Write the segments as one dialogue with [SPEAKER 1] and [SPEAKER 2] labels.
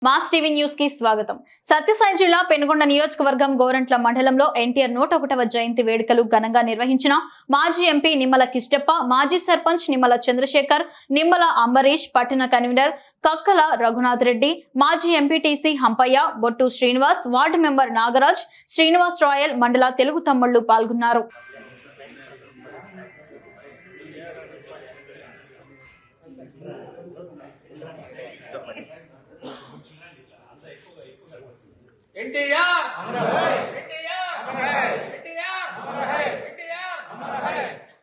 [SPEAKER 1] Mass TV news కి స్వాగతం. సత్యసాయి జిల్లా పెనుగొండ నియోజకవర్గం గోరంట్ల మండలంలో ఎన్టీఆర్ 101వ జయంతి వేడుకలు ఘనంగా నిర్వహించిన మాజీ ఎంపీ నిమ్మల కిష్టప్ప, మాజీ సర్పంచ్ నిమ్మల చంద్రశేఖర్, నిమ్మల అంబరీష్, పట్టణ కన్వీనర్ కక్కల రఘునాథ్ రెడ్డి, మాజీ MPTC Hampaiah, Bottu Srinivas, ward member Nagaraj, Srinivas Rayal, మండల తెలుగు తమ్ముళ్లు పాల్గొన్నారు.
[SPEAKER 2] एनटीआर अमर है, एनटीआर अमर है, एनटीआर अमर है, एनटीआर अमर है।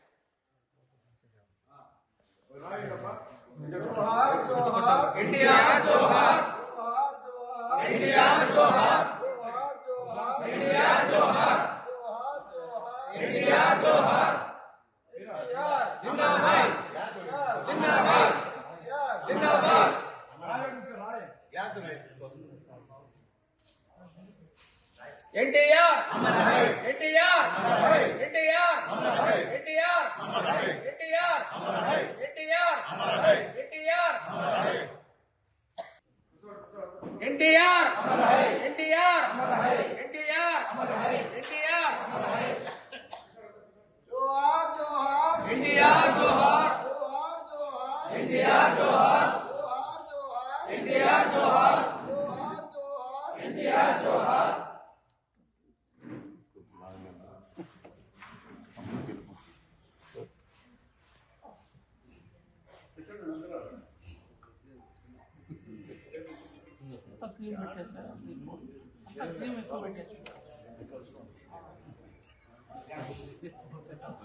[SPEAKER 2] एनटीआर जोहार, एनटीआर जोहार, एनटीआर जोहार, एनटीआर जोहार, जिंदाबाद, जिंदाबाद, जिंदाबाद। एनटीआर अमर है, एनटीआर अमर है, एनटीआर अमर है, एनटीआर अमर है, एनटीआर अमर है, एनटीआर अमर है, एनटीआर अमर है, एनटीआर अमर है, एनटीआर अमर है, एनटीआर अमर है, एनटीआर अमर है। जोहार जोहार, एनटीआर जोहार, जोहार जोहार, एनटीआर जोहार, जोहार जोहार, एनटीआर जोहार, जोहार जोहार, एनटीआर जोहार।
[SPEAKER 3] क्रीम बैठे सर क्रीम